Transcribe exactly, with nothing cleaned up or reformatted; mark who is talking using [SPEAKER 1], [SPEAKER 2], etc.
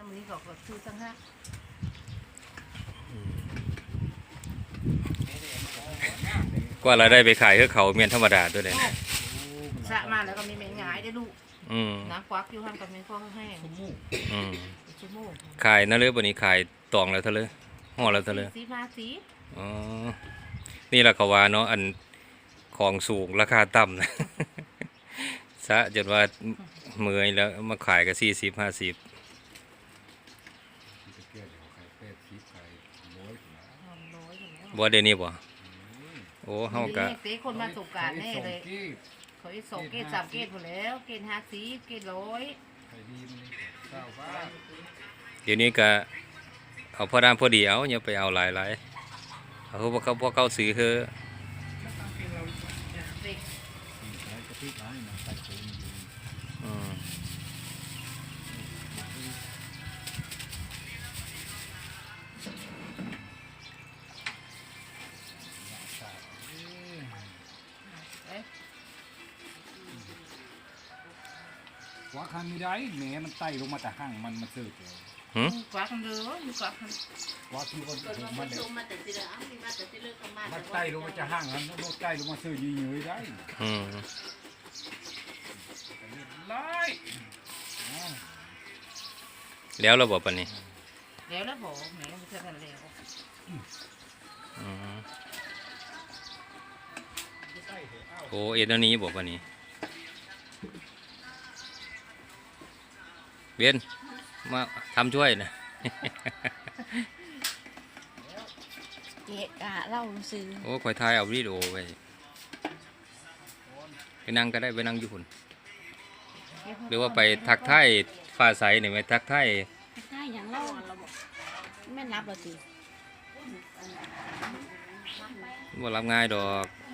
[SPEAKER 1] มือก็ก็ซื้อตั้งห้า
[SPEAKER 2] กว่าเราได้ไปขายคือเขาเมียนธรรมดาด้วยเลย
[SPEAKER 1] สะมาแล้วก็มีแมงหงายได้ลูก
[SPEAKER 2] อืม
[SPEAKER 1] น้ำควักอยู่ห้างกับแมงฟองแห้ง
[SPEAKER 2] อืม
[SPEAKER 1] ชั่วโมง
[SPEAKER 2] ขายนั่นเลยวันนี้ขายตองแล้วเท่าเลยห่อแล้วเท่าเลย
[SPEAKER 1] สีมาสี
[SPEAKER 2] อ๋อนี่แหละเขาว่าเนาะอันของสูงราคาต่ำนะ ซะจนว่าเมื่อยแล้วมาขายก็สี่สิบห้าสิบบ่เดี๋ยวนี้บ่โอ้เฮาก็
[SPEAKER 1] เตะคนมาสงการแน่เลยเขาอีกสองเกตสามเกตหมดแล้วเกตห้าสีเกตร้อย
[SPEAKER 2] เดี๋ยวนี้ก็เอาพอดามพอดีเอาอย่าไปเอาหลายหลายเอาพวกเขาพวกเขาซื้อคือ
[SPEAKER 1] เด็ก
[SPEAKER 2] อืม
[SPEAKER 1] เอ๊ะ
[SPEAKER 3] ว่าคันไม่ได้แหมมันไต่ลงมาแต่ห้างมันมาซื้อเลย
[SPEAKER 2] หืม
[SPEAKER 1] ควักกันเลยมีควักกัน
[SPEAKER 3] ว่าที่คนถูกมันเนี่ย
[SPEAKER 1] มาแต่ที่เดิมมีมาแต่ที่เลิกกันมา
[SPEAKER 3] มันไต่ลงมาจะห้างมันโน้ตไต่ลงมาซื้อยืนๆได้
[SPEAKER 2] อืม
[SPEAKER 3] ไล่
[SPEAKER 2] แล้วเราบอกปะนี่
[SPEAKER 1] แล้วแล้วบอกแหมไม่ใช่กันแล้ว
[SPEAKER 2] อืมโอ้เอ็นอันนี้บอกปะนี่เวียนมาทำช่วยนะ
[SPEAKER 4] เกะกะเล่าซื้อ
[SPEAKER 2] โอ้คอยถ่ายเอาวิดีโอไปไปนั่งก็ได้ไปนั่งอยู่คนหรือว่าไปทักทายฟ้าใสนี่ไหมทักทาย
[SPEAKER 4] ได้อย่างเล่าแม่นรับเราสิ
[SPEAKER 2] ว่ารับง่ายดอก